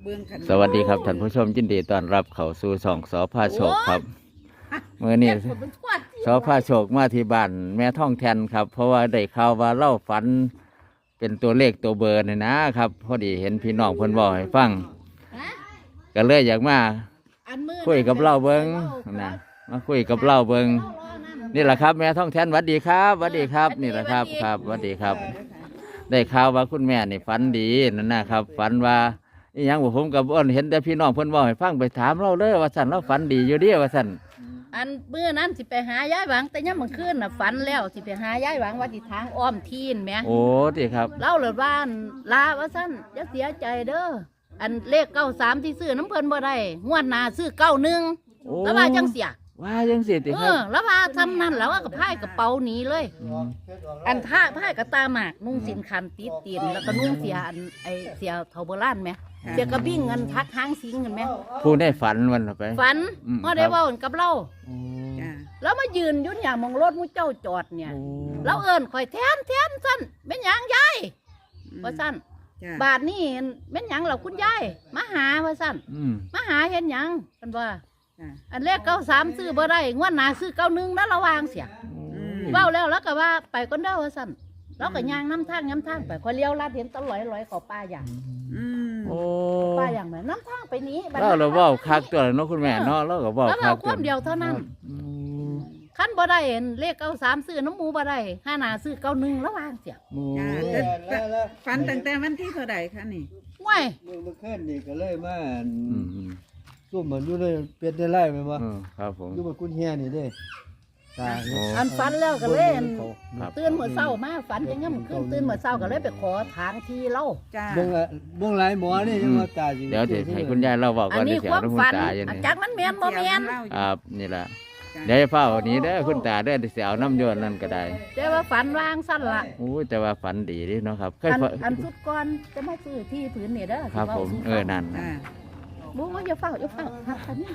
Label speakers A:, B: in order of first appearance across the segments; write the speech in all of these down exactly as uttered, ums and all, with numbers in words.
A: สวัสดีครับท่านผู้ชมยินดีต้อนรับเข้าสู่ช่องสพาโชคครับเมื่อนี้สพาโชคมาที่บ้านแม่ท่องแทนครับเพราะว่าได้ข่าวว่าเล่าฝันเป็นตัวเลขตัวเบอร์นี่นะครับพอดีเห็นพี่น้องเพิ่นบอกให้ฟังก็เลยอยากมาคุยกับเล่าเบิงนะมาคุยกับเล่าเบิงนี่แหละครับแม่ท่องแทนสวัสดีครับสวัสดีครับนี่แหละครับครับสวัสดีครับได้ข่าวว่าคุณแม่นี่ฝันดีนั่นนะครับฝันว่าอีหยังผมกับอ้นเห็นแต่พี่น้องเพิ่นบอกให้ฟังไปถามเราเลยว่าสั่นเราฝันดีอยู่เดียวว่าสั่น
B: อันเมื่อนั้นสิไปหายายหวังแต่ยังมันขึ้นน่ะฝันแล้วสิไปหายายหวังว่าสิทางอ้อมทีนแหม
A: โอ้ติครับ
B: เล่าเลยว่าลาว่าสั่นอย่าเสียใจเด้ออันเลขเก้าสามที่ซื้อน้ำเพิ่นบ่ได้งวดหน้าซื้อเก้าหนึ่งแล้วว่าจังเสีย
A: ว่าจังเสียติครับ
B: เออแล้วว่าทำนั่นแล้วว่ากับพายกระเป๋าหนีเลยอันท่าพายกระตาหมากนุ่งสินคันติดตีนแล้วก็นุ่งเสียอันไอเสียเทาโบราณไหมเสียกระบิ่งเงินทักหางสิงเงินไหม
A: ผู้ได้ฝันวันไป
B: ฝันเมื่อได้ว่ากับเราแล้วมายืนยุ่นอย่างมองรถมุ้เจ้าจอดเนี่ยแล้วเอิญข่อยแทนแทนสั้นเป็นหยังยายว่าสั้นบาทนี่เป็นหยังเราคุณยายมาหาว่าสั้นมาหาเห็นหยังกันว่าอันแรกเก้าสามซื้อบ่ได้งวดหน้าซื้อเก้าหนึ่งแล้วระวางเสียเบ้าแล้วแล้วก็ว่าไปก้นเด้อว่าสั้นแล้วก็ย่างน้ำทางน้ำทางไปคอยเลี้ยวลาดเห็นตะลอยลอยขอป้าอย่าง
A: โอ้
B: ป้าอย่างไหนน้ำทางไปนี้
A: เราเราเบ้าคักตัวเนาะคุณแม่เนาะเราก็เบ้าคัก
B: ตัวเดียวเท่านั้นขั้นบ่ได้เห็นเลขเก้าสามซื้อน้ำหมูบ่ได้ห้าหน้าซื้อเก้าหนึ่งแล้ววางเสีย
C: ฝันตั้งแต่วันที่เท่าไหร่คะนี่
B: ว้าย
D: เมื่อคืนนี่ก็เลยมาซุ่มเหมือนอยู่เลยเป็ดได้ไล่ไหมวะ
A: ครับผม
D: อยู่บนกุ้งแห่นี่เด้ตา
B: อันฝันแล้วก็เลยตื่นเมื่อเช้ามาฝันยังงั้นขึ้นตื่นเมื่อเช้าก็เลยไปขอทางที่เล่า
D: เบื้องเบื้องหลายหมอนี่ยังว่าตาจริง
A: เดี๋ยวเดี๋ยวให้คุณยายเราบอกก่อน
B: เดี๋ยวเสียงคุณตาอย่างนี้จากมันแมนบ่แมน
A: ครับนี่แหละเดี๋ยวเฝ้านี้เด้อคุณตาเด้อเสียวน้ำยนนั่นก็ได้
B: แต่ว่าฝันวางสั้นละ
A: โอ้แต่ว่าฝันดีดิเนาะครับ
B: อันสุดก่อนจะมาซื้อที่ผืนนี่เด้อ
A: ครับผมเออนั่น
B: บุ้งอย่าเฝ้าอย่าเฝ้าครับคันนี้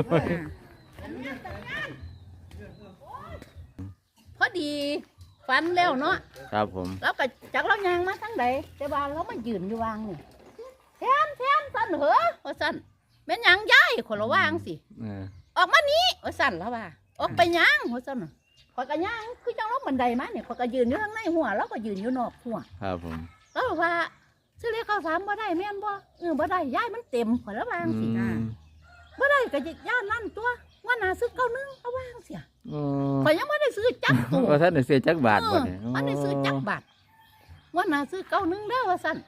B: พอดีฝันแล้วเนาะ
A: ครับผม
B: แล้วก็จากเรายางมาทั้งใดแต่ว่าเรามายืนอยู่วางนี่แทนแทนสั้นเหรอว่าสั้นเป็นยังย้ายคนละวางสิออกมานี้ว่าสั้นแล้วว่าออกไปย่างว่าสั้นขอยกระย่างคือจังรถบันไดมาเนี่ยขอยกระยืนอยู่ข้างในหัวแล้วก็ยืนอยู่นอกหัว
A: ครับผม
B: แล้วว่าซื้อเลขข้าวสารบ่ได้แม่นบ่เออบ่ได้ย้ายมันเต็มขอยละวางสิบ่ได้ก็ย่านนั่นตัวว่านาซื้อเก้านึงเอาวางเสียข่อยยังไม่ได้ซื้อจักตัว
A: ว่าท่านได้ซื้อจักบาทบ่เนี่ย
B: มันได้ซื้อจักบาทว่านาซื้อเก้านึงเด้อว่าสั่น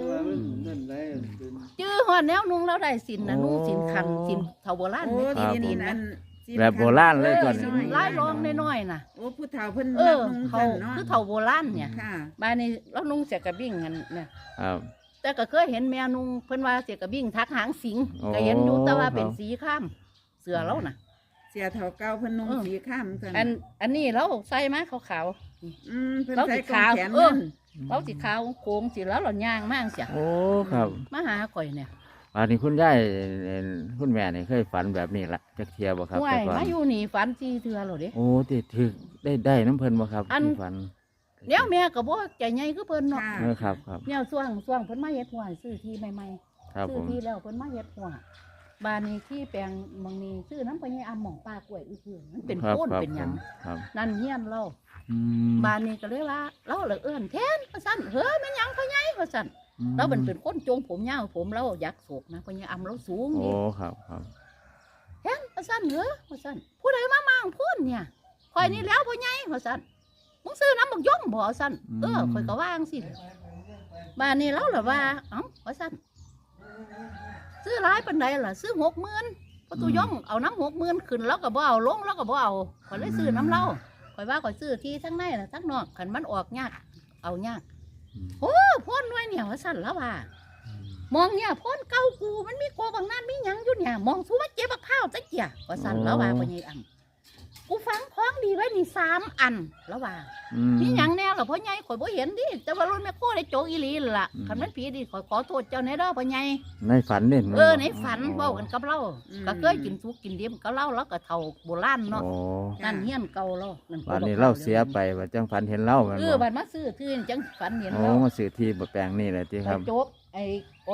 B: จื้อหอดแนวนุ่งแล้วได้สินนะนุ่งสินคันสินเฒ่าโบราณนี่ดินนั่น
A: แบบโบราณเลยก่อน
B: ลายรองน้อยๆน่ะ
C: โอ้ผู้เฒ่าเพิ่น
B: เออเขาคือเฒ่าโบราณเนี่ยบ้านนี้แล้วนุ่งเสียกระบิ่งกันเนี่ย
A: ครับ
B: แต่ก็เคยเห็นแม่นุ่งเพิ่นว่าเสียกระบิ่งทักหางสิงก็เห็นอยู่แต่ว่าเป็นสีข้ามเสือแล้วน่ะ
C: เสียเฒ่าเก่าเพิ่นนุ่งสีข้าม
B: อันอันนี้เราใส่มาขาว
C: ๆอืมเพิ่นใส่ขาวแขน
B: เออเราสีขาวโค้งสีแล้วเราย่างมากเสีย
A: โอ้ครับ
B: มาหาข่อยเนี่ย
A: อันนี้คุณยายคุณแม่นี่เคยฝันแบบนี้ละจักเทียบ่ครับ
B: แต่ก่อนมาอยู่นี่ฝันสี่เทื่อหรอเด้
A: โอ้ติดถึกได้ได้น้ำเพิ่นบ่ครับ
B: อันฝันเดี๋ยวแม่ก็บ่ใจใหญ่คือเพิ่นเนาะ
A: เออครับครับ
B: เนี่ยช่วงช่วงเพิ่นมาเฮ็ดหัวซื้อที่ใหม่ๆซื้อที่แล้วเพิ่นมาเฮ็ดหัวบ้านนี้ที่แปลงบางนี้ซื้อน้ำไปให้อำหม่องป้ากล้วยอื้อๆมันเป็นโคนเป็นหยังนั่นเฮียนเราบ้านนี้ก็เลยว่าเราเลยเอื้อนแทนว่าซั่นเฮ้ยแม่นหยังพ่อใหญ่ว่าซั่นเราเป็นเป็นคนโจงผมยาวผมเราอยากโศกนะพ่อใหญ่อำเราสูงนี่
A: โอ้ครับครับ
B: แทนว่าซั่นเฮ้ยว่าซั่นผู้ใดมามั่งพูนเนี่ยข่อยนี่แล้วพ่อใหญ่ว่าซั่นมึงซื้อน้ำบักย่อมบ่ซั่นเออข่อยก็ว่างสิบ้านนี้เราล่ะว่าเอ้าว่าซั่นซื้อร้ายปันใดล่ะซื้อหกหมื่นพอตัวย่อมเอาน้ำหกหมื่นขึ้นแล้วก็บ่เอาลงแล้วก็บ่เอาข่อยเลยซื้อน้ำเล่าข่อยว่าข่อยซื้อที่ทั้งในน่ะทั้งนอกขันมันออกยากเอายากโอ้พ่นด้วยเนี่ยว่าสั่นแล้วว่ามองเนี่ยพ่นเก่ากูมันมีโกบางนั้นมีหยังอยู่เนี่ยมองสู้ว่าเจ็บข้าวตะเกียว่าสั่นแล้วว่าพ่อใหญ่อังกูฟังคล้องดีไว้นี่สามอันแล้วว่ามีหยังแน่หรอพ่อใหญ่ข่อยบ่เห็นดิแต่ว่ารุ่นแม่โคได้โจกอีหลีล่ะคันมันผีดิข่อยขอโทษเจ้าแน่เด้อพ่อใหญ่
A: ในฝันเนี่ย
B: เออในฝันเว้ากันกับเราก็เคยกินสุกกินดิบกับเราแล้วก็เฒ่าโบราณเนาะนั่นเฮียนเก่าเรา
A: วันนี้เราเสียไปว่าจังฝันเห็นเรา
B: เออบัดมาซื้อที่จังฝันเห็น
A: เราโอ้มาซื้อที่บ่แปลงนี่แหละที่ครับ
B: โจกไอ้ออก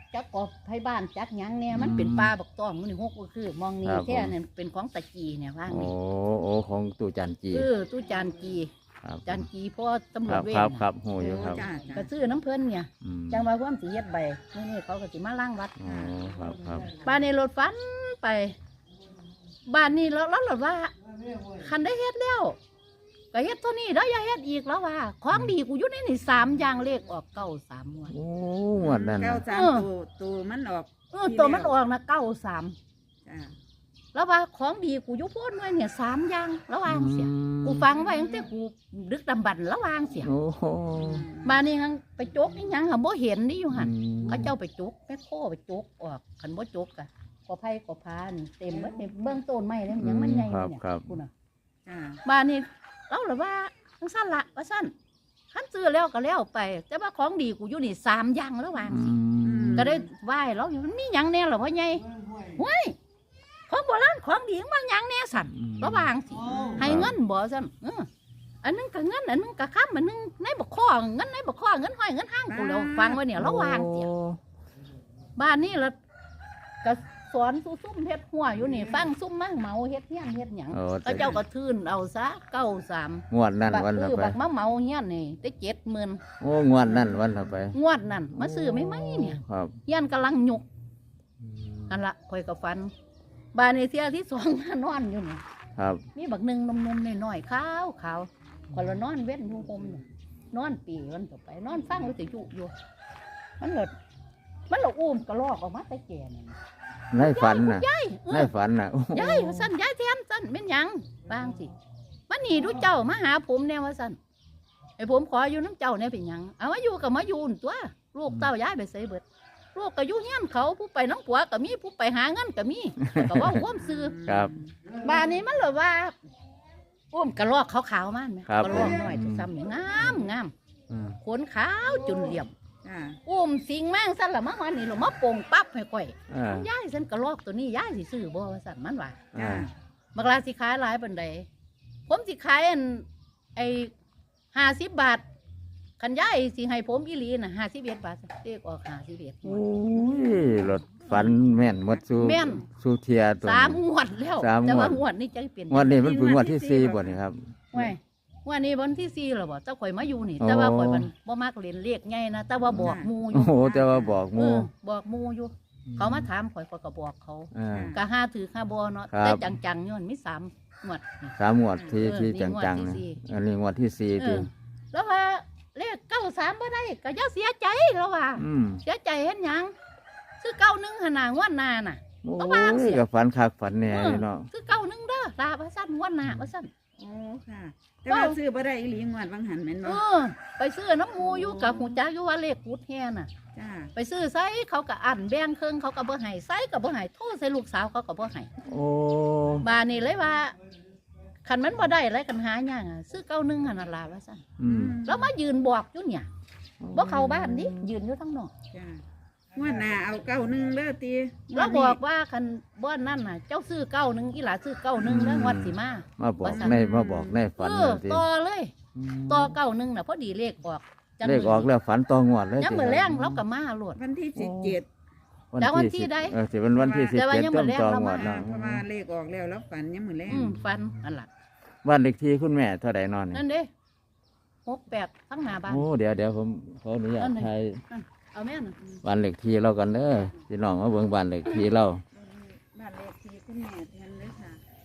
B: จักกอบไผบ้านจักหยังเนี่ยมันเป็นป่าบักตองมันนี่หกก็คือมองนี่แท้เนี่ยเป็นของตะกีเนี่ยว่าง
A: โอ้
B: นี่
A: โอ้ของตู่จันจี
B: เออตู้จานกี
A: ครับ
B: จานกีเพราะตำร
A: คว รั
B: จ
A: บ
B: เวร
A: ครับค
B: น่ะ
A: รับโหอยู่ครับ
C: จ้า
B: ก็
C: จ้า
B: ซื้อน้ำเพิ่นเนี่ย
A: อืม
B: จังว่าความสิเฮ็ดใบนี่นี่เขาก็สิมาล้างวัด
A: โอ้ครับครับ
B: บ้านนี้รถฟันไป บ้านนี้แล้วแล้วรถว่า คันได้เฮ็ดแล้วก็เฮ็ดเท่านี้แล้วอย่าเฮ็ดอีกแล้วว่าของดีกูอยู่ในนี่สามอย่างเลขออกเก้าสามงวด
A: โอ้งวดนั้น
C: เก้า
A: น่ะ
C: สาม
B: เออ
C: ตัวตัวมันออก
B: เออตัวมันออกนะเก้าสาม
C: จ้า
B: แล้วว่าของดีกูอยู่โพ้นไว้เนี่ยสามอย่างแล้ววางเสีย
A: อืม
B: กูฟังไว้ตั้งแต่กูดึกดำบรรพ์แล้ววางเสีย
A: โอ้โห
B: มานี่หังไปจกอีหยังหาบ่เห็นนี่อยู่หั่น
A: อืม
B: เขาเจ้าไปจกแม่โคไปจกออกคันบ่จกอะกอไผ่กอพานเต็มเบิดในเบื้องต้นไม้เลยมันยังมันใหญ่
A: ครับ
B: เนี่ย
A: ครับ
B: คุณน่ะ
C: จ้า
B: มานี่เราหรือว่าทั้งสั้นละว่าสั้นคันซื้อแล้วก็แล้วไป แต่ว่าของดีกูอยู่นี่สามอย่างแล้ววาง
A: อื
B: สิ
A: ม
B: ก็ได้ไหว้แล้วอยู่มันมีหยังแน่หรอพ่อใหญ่เว้ยของโบราณของดีมันหยังแน่สั่นระวางสิให้เงินบ่สั่นเอออันนึงก็เงินอันนึงก็ค้ำอันนึงในบ่ข้อเงินในบ่ข้อเงินห้อยเงินห้างกูแล้วฟังไว้เนี่ยระวางเสีย
A: โอ้
B: บ้านนี้ละก็สอนซุซุ่มเฮ็ดหัวอยู่นี่ฟังซุ่มมาเหมาเฮ็ดเฮียนเฮ็ดหยัง
A: โอ้
B: ก็เจ้าก็ทื่นเอาซะเก้าสาม
A: งวดนั้น
B: บัก
A: วันละ
B: คือ
A: ไป
B: บักมาเหมาเฮียนนี่ได้เจ็ดหมื่น
A: โอ้งวดนั้นวันละไป
B: งวดนั่นมาซื้อไม่ไหมเนี่ย
A: ครับ
B: เฮียนกำลังหยกอันละคอยกับฟันบ้านในเที่ยที่สอง นอนอยู่นี่
A: ครับ
B: มีบักหนึ่งนมนมๆน้อยๆขาวขาวคนละนอนเว้นอยู่ห่มเนี่ยนอนปีมันต่อไป นอนฟังวิทยุอยู่ มันหลดมันหลดอุ้มกระลอกออกมาแต่แก่นั่น
A: ในฝันน่ะ
B: ยายเอ
A: ใน
B: อ
A: ฝันน่ะโอ้โห
B: ยายว่าสั่นยายแทนสั่นเป็นหยังบางสิมันหนีดูเจ้ามาหาผมแน่ว่าสั่นไอ้ผมขออยู่น้ำเจ้าเนี่ยเป็นหยังเอามาอยู่กับมาอยู่นั่นตัวลูกเต้ายายไปใส่เบิดลูกก็อยู่เฮียนเขาผู้ไปน้องผัวก็มีผู้ไปหาเงินก็มีก็ว่าห่วมซื้อ
A: ครับ
B: บ้านนี้มันเลยว่าอุ้มกระรอกขาวๆมันไหม
A: ครับ
B: กระรอกน้อยซ้ำๆนี่งามงาม
A: อืม
B: ขนขาวจุนเหลี่ยม
C: จ้า
B: อุ้มสิงแม่งสั่นละมาวันนี้เรามาโป่งปั๊บให้ก่อย
A: อ่า
B: ย้ายสั่นกระรอกตัวนี้ย้ายสิซื้อบ่ว่าสั่นมันว่า
C: จ้า
A: อ่า
B: บักลาสิขายหลายปันใดผมสิขายอันไอ้ห้าสิบบาทคันย้ายสิให้ผมอีหลีน่ะห้าสิบเอ็ดบาทเลขออกห้าสิบเอ็ด
A: โอ้ยรถฝันแม่นหมดสู่
B: แม่น
A: สู่เทียตัว
B: สาม
A: นี้
B: งวดแล้ว
A: สามงวด
B: แต่ว่างวดนี้จะเปลี่ยน
A: งวดนี้มันเป็นงวดที่สี่บ่นี่ครับ
B: ไว้งวันนี้วันที่สี่แล้วบ่เจ้าข่อยมาอยู่นี่
A: โอ้
B: แต่ว่าข่อยมันบ่มักเล่นเลขไงนะแต่ว่าบอกหมูอ
A: โอ้
B: ยู่
A: โหแต่ว่าบอกห
B: เอ
A: มู่
B: อบอกหมูอยู่ เขามาถามข่อยข่อยก็บอกเขา
A: อ่า
B: ก็ห้าถือห้าบ่เนาะ
A: ครับ
B: แต่จังๆย้อนมีสามงวดนี่
A: สามงวดที่
B: เออ
A: ที่
B: นี่งวด
A: จัง
B: ที่
A: ๆ
B: สี่
A: นะอันนี้งวดที่สี่
B: เอ
A: ที่
B: อแล้วว่าเลขเก้าสามบ่ได้ก็อย่าเสียใจแล้วว่า
A: อืม
B: เสียใจเฮ็ดหยังซื้อเก้าหนึ่งหนนางวดหน้าน่ะ
A: โอ้
B: ก็วางเสีย
A: ยกับฝันคักฝันแหน่อยู่เนาะ
B: ซื้อเก้าหนึ่งเด้อลาว่าซั่นงวดหน้าว่าซั่น
C: โอ้ค่ะแต่ว่าซื้อบ่ได้อีหลีงวดบางหันแม่น
B: เอ
C: บ่
B: อไปซื้อน้ำหมูอยู่กับหูจักอยู่ว่าเลขกุดแฮ่น่ะ
C: จ้า
B: ไปซื้อไซเขาก็อันแบ่งเครื่องเขาก็บ่ให้ไซก็บ่ให้โทษใส่ลูกสาวเขาก็บ่ให้
A: โอ้
B: บานนี่เลยว่าคันมันบ่ได้อะไรกันหาหยังอ่ะซื้อเก้าหนึ่งหั่นน่ะล่ะว่าซั่น
A: อืม
B: แล้วมายืนบอกอยู่เนี่ยบ่เข้าบ้านดิยืนอยู่ทางนอก
C: จ้างวดหน้าเอาเก้าหนึ่งเด้อตี
B: แล้วบอกว่าคันบ่นั่นน่ะ เจ้าซื้อเก้าหนึ่งอีหลาซื้อเก้าหนึ่งแล้วงวดสิมา
A: มาบอก
B: ว่าซั่น
A: ในมาบอกในฝัน
B: เอ
A: เล
B: อย
A: ที่
B: ต่อเลยต่อเก้าหนึ่งน่ะพอดีเลขออกจัง
A: เลขออกแล้วฝันต่องวดเลย
B: ยังมื้อแรงเราก็มาโลด
C: วันที่สิบเจ็ด
B: แล้ววันที่ใด
A: เออสิเป็นวันที่สิบ
B: แต่ว่า
A: เจ็ด
B: ยัง
A: ต้
B: บ่
A: น
B: แลก
A: ต่อ
B: เรา
A: งว
B: มา
A: ดเนาะ
C: เพราะว่าเลขออกแล้วแล้วฝันยังมือแรง
B: อืมฟันอันล่ะ
A: บ้านเลขที่คุณแม่เท่าใดนอน
B: นั่นเด้หกแปดทั้งหน้าบ้าน
A: โอ้เดี๋ยวเดี๋ยวผมขออนุญา
B: อั
A: ต
B: นไหน
A: ไทย
B: เอาแม่น่ะ
A: บ้านเลขที่เรากันเด้อพี่น้องมาเบิ่งบ้านเลขที่เรา
C: บ้านเลขที่คุณแม่แทนเลยค่ะ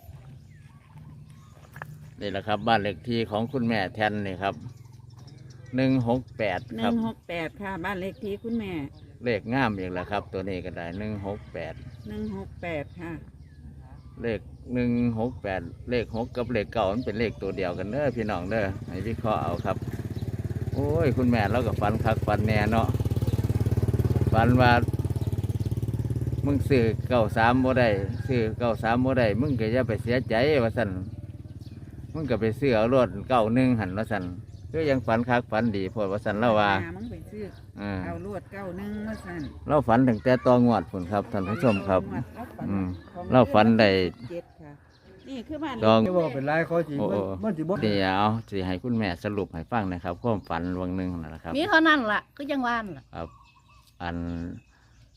A: นี่แหละครับบ้านเลขที่ของคุณแม่แทนนี่ครับหนึ่งหกแปด
C: ห
A: ครับ
C: นึ่งหกแปดค่ะ บ้านเลขที่คุณแม่
A: เลขงามอีกแล้วครับ ตัวนี้ก็ได้หนึ่งหกแปด
C: หนึ่งหกแปดค่ะ
A: เลขหนึ่งหกแปดเลขหกกับเลขเก่ามันเป็นเลขตัวเดียวกันเด้อพี่น้องเด้อให้วิเคราะห์เอาครับ โอ้ยคุณแม่เราก็ฟันคักฟันแน่เนาะฟันว่ามึงซื้อเก้าสามโมได้ซื้อเก้าสามโมได้มึงก็อย่าไปเสียใจว่าสันมึงก็ไปซื้อเอารถเก้าหนึ่งหันว่าสันก็ยังฝันคักฝันดีโพดว่าสันเราว่า
C: มึงไปซื้อ
A: อ่า
C: เอาลวดเก้าหนึ่งมาสั่น
A: เราฝันถึงแต่ตองวดผุนครับท่านผู้ชมครับ
C: งวดเราฝัน
A: อืม
C: ของ
A: เราฝันได้
C: เจ็ดค่ะ นี่คือบ้าน
A: ลอง
D: จะบอกเป็นไรเขาจริง
A: โอ้
D: มัน
A: โอ้
D: มันสิบ่
A: เดี๋ยวสิให้คุณแม่สรุปให้ฟังนะครับความฝันวังหนึ่งนั่นแหละครับ
B: มีเท่านั้นล่ะก็ยังว่านล่ะ
A: ครับ อัน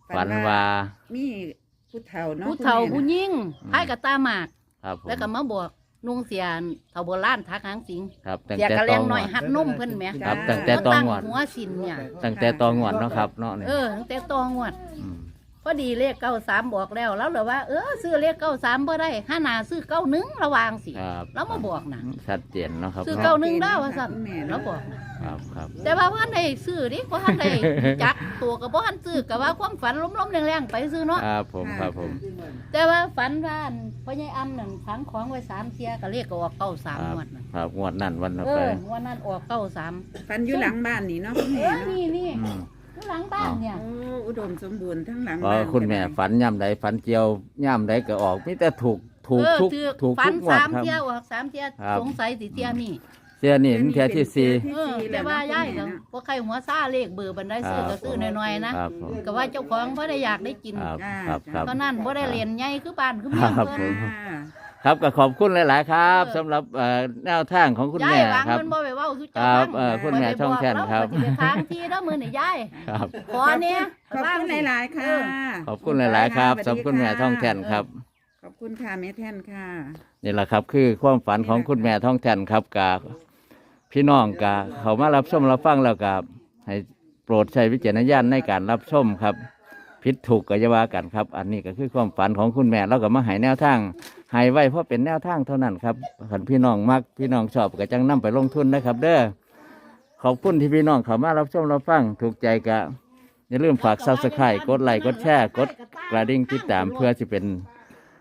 A: ฝันว่า
C: มีผู้เฒ่าเนาะ
B: ผู้เฒ่า
C: คุณ
B: ผู้
C: แม่
B: ยิ่งพายกับตาหมาก
A: ครับผม
B: แล้วก็มาบอกนุ่งเสียนเฒ่าโบราณทักหางสิง
A: ครับตั้ง
B: เสีย
A: แต่
B: กระ
A: ต
B: เล
A: อง ง
B: หน่อย
A: วด
B: หัดนมเพิ่นแหม
A: ครับ
C: จ้า
A: ตั้งแต่ตองวด
B: หัวสินเนี่ย
A: ตั้งแต่ตองวดเนาะครับเนาะนี่
B: เออตั้งแต่ตองวด
A: ม
B: พอดีเลขเก้าสามบอกแล้วแล้วเหรอว่าเออซื้อเลขเก้าสามบ่ได้ห้าหนาซื้อเก้าหนึ่งระวังสิ
A: ครับ
B: แล้วมาบอกนะ
A: ชัดเจนเนาะครับ
B: ซื้อ
A: เนาะ
B: เก้าหนึ่งได้ว่าสั่นแล้วบอกนะครับ
A: ครับ
B: แต่ว่าพ่อได้ซื้อดิพ่อได้จักตัวกับพ่อซื้อกับว่าความฝันล้มๆแรงๆไปซื้อเนาะ
A: ครับผมครับผม
B: แต่ว่าฝันว่าอันพ่อใหญ่อ้ำนั่นฝังของไว้สามเทียก็เลขก็ออกเก้าสาม
A: ครับ
B: งวดนั่น
A: ครับงวดนั่นวันต่อ
B: เอ
A: ไป
B: อวันนั้นออกเก้าสาม
C: ฟันอยู่หลังบ้านนี่เนาะคุณ
B: เอ
C: แม่
B: อ
C: เนาะ
B: นี่นี่
A: อืม
B: อยู่หลังบ้านเนี่ย
C: โอ้อุดมสมบูรณ์ทั้งหลัง
A: เพราะ
C: บ้าน
A: คุณแม่ฝันย่ำใดฝันเจียวย่ำใดก็ออกมีแต่ถูกถูก
B: เออ
A: ทุก
B: ถือ
A: ถูก
B: ฝั
A: ทุ
B: น
A: กงวด
B: สาม
A: ครับ
B: เที่ยวออกสามเที่ยว
A: ครับ
B: สงสัยสิเที่ยนี่
A: เสียนี่มันเทียที่สี่
B: เออแต่ว่าย่ายก็บ่ใครหัวซ่าเลขเบอร์บันไดซื้อก็ซื้อน้อยๆนะครับ
A: ผม
B: ก็ว่าเจ้าของบ่ได้อยากได้กิน
A: ครับครับครับ
B: ตอนนั้นบ่ได้เรียนใหญ่คือบ้านคือเมือง
A: ครับ
B: เพิ่น
A: ผม
C: อ่า
A: ครับก็ขอบคุณหลาย ๆ ครับ
B: เออ
A: สำหรับเอ่อแนวทางของคุณ
B: ยา
A: แม่
B: ยวาง
A: ครับ
B: เพิ่นบ่ไปเว้าสุ
A: ค
B: เจ้า
A: รับ
B: ฟัง
A: เอ่อคุณแม่ช่องแท่นครับ
B: ข้อยไปอกแล้วข้อยสิไปค้างที่แล้วมื้อนี่ยาย
A: ครับ
B: ขอเนี่ย
C: ขอบคุณหลายๆค่ะ
A: ขอบคุณหลาย ๆ ครับสำหรับคุณแม่ท่องแท่นครับ
C: ขอบคุณค่ะแม่แท่นค่ะ
A: นี่แหละครับคือความฝันของคุณแม่ท่องแท่นครับกาพี่น้องกาเขามารับชมรับฟังแล้วกับให้โปรดใช้วิจารณญาณในการรับชมครับผิดถูกก็อย่าว่ากันครับ อันนี้ก็คือความฝันของคุณแม่แล้วก็มาให้แนวทางให้ไว้เพราะเป็นแนวทางเท่านั้นครับขันพี่น้องมักพี่น้องชอบก็จังนำไปลงทุนนะครับ เด้อขอบคุณที่พี่น้องเขามารับชมรับฟังถูกใจกะอย่าลืมฝากซับสไครต์กดไลค์กดแชร์กดกระดิ่งติดตามเพื่อจะเป็น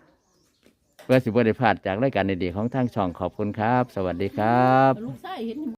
A: เพื่อสิบวันได้พลาดจากรายการดีๆของทางช่องขอบคุณครับ สวัสดีครับ
B: ลูกชายเห็น